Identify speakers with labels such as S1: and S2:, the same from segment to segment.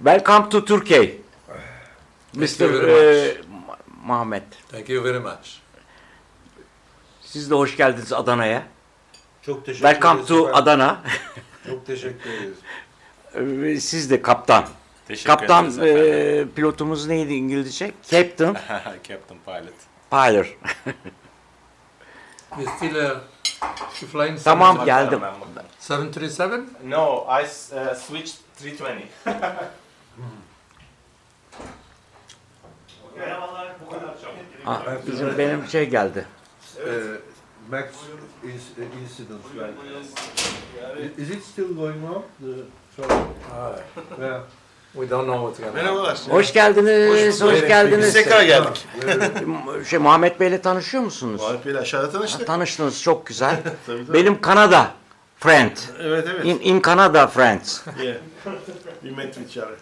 S1: Welcome to Turkey.
S2: Thank you
S1: Mr.
S2: very
S1: Muhammed.
S2: Thank you very much.
S1: Siz de hoş geldiniz Adana'ya.
S3: Çok teşekkür
S1: Welcome
S3: ederiz
S1: to
S3: efendim.
S1: Adana.
S3: Çok teşekkür ederiz.
S1: Siz de kaptan.
S4: Teşekkür
S1: Kaptan
S4: ederiz efendim.
S1: pilotumuz neydi İngilizce? Captain.
S4: Captain Pilot.
S1: Pilot.
S2: You still flying
S1: Tamam geldim.
S2: 737?
S4: No, I switched 320.
S1: Benim şey geldi.
S3: Max incident, right? Is it still going on? The trouble? Yeah.
S2: We don't know what's going on.
S5: Merhabalar.
S1: Hoş geldiniz. Hoş geldiniz.
S5: Biz tekrar geldik.
S1: Muhammed Bey'le tanışıyor musunuz?
S5: Muharref Bey'le aşağıda tanıştık.
S1: Tanıştınız çok güzel.
S5: Tabii, tabii.
S1: Benim Kanada friend.
S5: Evet evet.
S1: In Canada friends.
S5: Yeah. We met each other.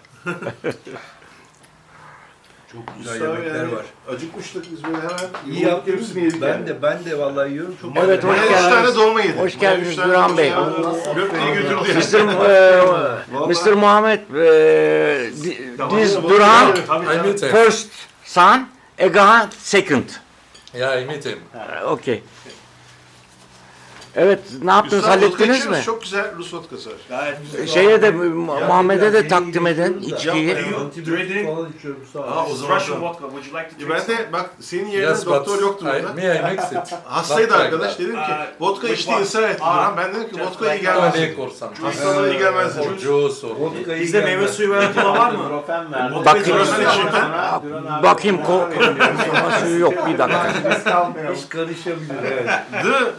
S3: Çok güzel yemekler var.
S5: Acıkmıştık biz böyle hemen.
S3: İyi yaptınız. Ben de vallahi yiyorum. Çok
S1: Evet, hoş
S5: Ben 3
S1: geldiniz.
S5: tane dolma yedim.
S1: Hoş geldiniz
S5: Ben üç tane
S1: Duran
S5: dolma
S1: Bey.
S5: yedim. Gökdeği götürdü yani.
S1: Mr. Muhammed, this Duran
S2: I meet him.
S1: first son, Egahan second.
S2: Yeah, I meet him.
S1: Okay. Evet, ne yaptınız?
S5: Üstad vodka
S1: Hallettiniz
S5: içiyoruz.
S1: mi?
S5: Çok güzel Rus vodkası var.
S1: Şeye de Muhammed'e de takdim edin içkiyi.
S3: Antibiyotik falan içiyorum sağ
S5: Aa,
S3: ol.
S5: o zaman
S4: Russian
S5: da-
S4: vodka. Would you like to drink
S5: Ben
S4: some?
S5: de bak senin yerine
S2: Yes, but
S5: doktor yoktu burada.
S2: I mix it.
S5: Hastaydı
S2: Not like
S5: arkadaş.
S2: that.
S5: Dedim ki vodka
S4: which
S5: içti
S4: one?
S5: ısrar etti Duran. Ben dedim ki
S4: just
S5: vodka iyi
S4: like
S5: gelmez.
S2: Tonic or something.
S5: Hastalara iyi gelmez
S2: Or
S5: dedim.
S2: juice or...
S3: Vodka'yı
S4: Bizde meyve
S3: gelmez.
S4: suyu ve kola var mı?
S1: Bakayım,
S5: Bakayım.
S1: bakayım suyu yok bir dakika.
S3: Hiç karışabilir evet.